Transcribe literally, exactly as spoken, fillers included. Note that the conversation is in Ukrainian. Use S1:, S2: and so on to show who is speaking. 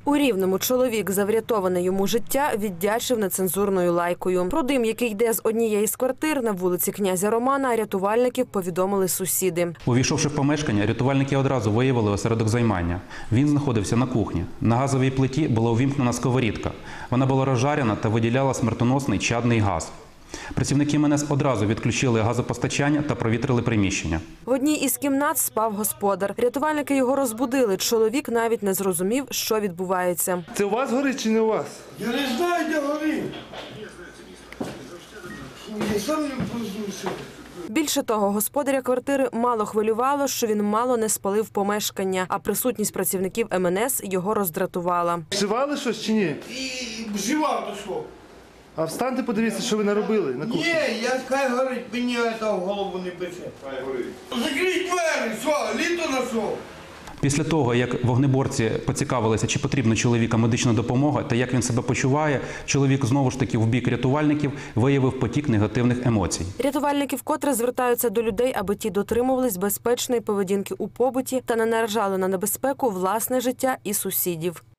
S1: У Рівному чоловік за врятоване йому життя віддячив нецензурною лайкою. Про дим, який йде з однієї з квартир на вулиці князя Романа, рятувальників повідомили сусіди.
S2: Увійшовши в помешкання, рятувальники одразу виявили осередок займання. Він знаходився на кухні. На газовій плиті була увімкнена сковорідка. Вона була розжарена та виділяла смертоносний чадний газ. Працівники ем ен ес одразу відключили газопостачання та провітрили приміщення.
S1: В одній із кімнат спав господар. Рятувальники його розбудили. Чоловік навіть не зрозумів, що відбувається.
S3: Це у вас горить чи не у вас?
S4: Я не знаю, де горить. Я сам не проснувся.
S1: Більше того, господаря квартири мало хвилювало, що він мало не спалив помешкання, а присутність працівників ем ен ес його роздратувала.
S3: Вживали щось чи ні?
S4: І вживав до що?
S3: А встаньте, подивіться, що ви наробили на кухні.
S4: Ні, я хай горить, мені це в голову не пече. Хай горить. Закрий двері, що, літо знайшов.
S2: Після того, як вогнеборці поцікавилися, чи потрібна чоловіка медична допомога та як він себе почуває, чоловік знову ж таки в бік рятувальників виявив потік негативних емоцій.
S1: Рятувальники вкотре звертаються до людей, аби ті дотримувались безпечної поведінки у побуті та не наражали на небезпеку власне життя і сусідів.